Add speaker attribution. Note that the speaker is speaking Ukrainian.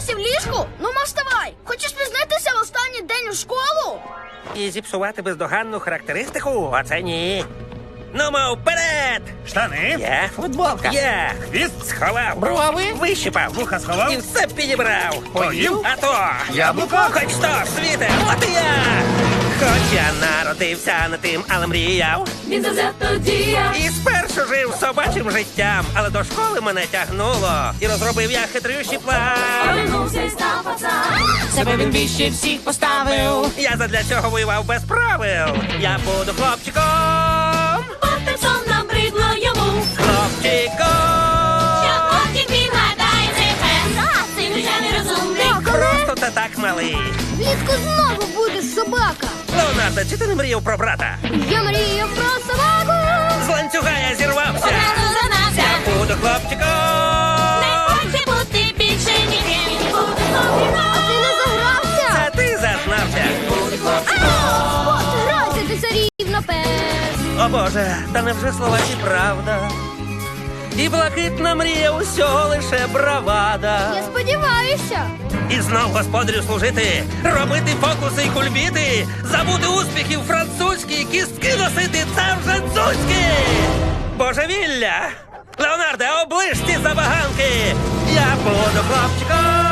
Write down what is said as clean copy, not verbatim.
Speaker 1: досі в ліжку? Ну, вставай. Хочеш пізнитися в останній день у школу?
Speaker 2: І зіпсувати бездоганну характеристику? Оце ні. Ну, мов, вперед!
Speaker 3: Штани,
Speaker 2: Я?
Speaker 4: Футболка.
Speaker 2: Я!
Speaker 3: хвіст,
Speaker 2: Сховав.
Speaker 4: Брови.
Speaker 2: Вищипав.
Speaker 3: вуха сховав.
Speaker 2: І все підібрав.
Speaker 3: Поїв?
Speaker 2: А то!
Speaker 3: Яблуко.
Speaker 2: Хоч то, світе, от і я! Хоч я народився не тим, але мріяв.
Speaker 5: Він завзято діяв.
Speaker 2: І спершу жив собачим життям, але до школи мене тягнуло. І розробив я хитрющий план.
Speaker 5: Повернувся і став пацан.
Speaker 4: Себе він вище всіх поставив.
Speaker 2: Я задля цього воював без правил. Я буду хлопчиком.
Speaker 5: Потім сон набридло йому.
Speaker 2: Хлопчиком.
Speaker 5: Що потім він гадає, цей пес. Цим вже нерозумний.
Speaker 2: Просто та так малий.
Speaker 1: Влітку знову будеш собака.
Speaker 2: Леонардо, чи ти не мріяв про брата?
Speaker 1: Я мрію про собаку.
Speaker 2: З ланцюга я зірвався.
Speaker 5: Одразу занався.
Speaker 2: Буду хлопчиком.
Speaker 5: Не хоче бути більше ніким. Він буде хлопчиком.
Speaker 1: Ти не загрався.
Speaker 2: Це ти зазнався.
Speaker 1: Спот, грайся, ти царівна пес.
Speaker 2: О Боже, та невже слова ці правда? І блакитна мрія усього лише бравада.
Speaker 1: Я сподіваюся.
Speaker 2: І знов господарю служити, робити фокуси й кульбіти, забути успіхів французькі, кістки носити, це вже дзузьки! Божевілля! Леонарде, оближ ці забаганки! Я буду хлопчиком!